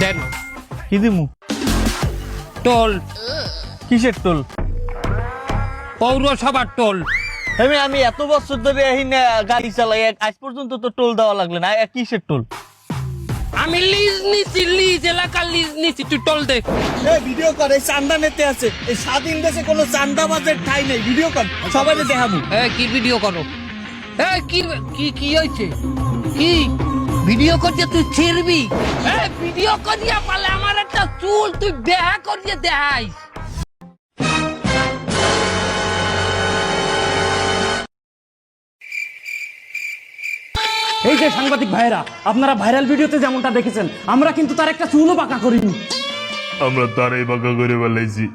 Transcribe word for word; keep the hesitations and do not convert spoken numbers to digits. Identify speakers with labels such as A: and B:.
A: দেন
B: কি দিমু?
A: টোল,
B: কিসের টোল?
A: পৌরসভার টোল।
B: আমি আমি এত বছর ধরে এই না গাড়ি চালাই, আজ পর্যন্ত তো টোল দেওয়া লাগলো না। এ কিসের টোল?
A: আমি লিজ নিছি, লিজ এলাকার লিজ নিছি, তুই টোল দে।
B: এই ভিডিও কর, এই চান্দা নিতে আছে। এই স্বাধীন দেশে কোনো চান্দাবাজের ঠাঁই নেই। ভিডিও কর, সবাই দেখাবো।
A: এ কি ভিডিও করো? এ কি কি কি হয়েছে? কি ভিডিও করছে তুই ছিড়বি? এ ভিডিও করিয়া পালে আমার একটা চুল তুই বেহা করিয়ে দেখাই।
C: এই যে সাংবাদিক ভাইরা, আপনারা ভাইরাল ভিডিওতে যেমনটা দেখেছেন, আমরা কিন্তু তার একটা চুলও বাঁকা করিনি।
D: আমরা তারাই বাঁকা করে বেলাইছি।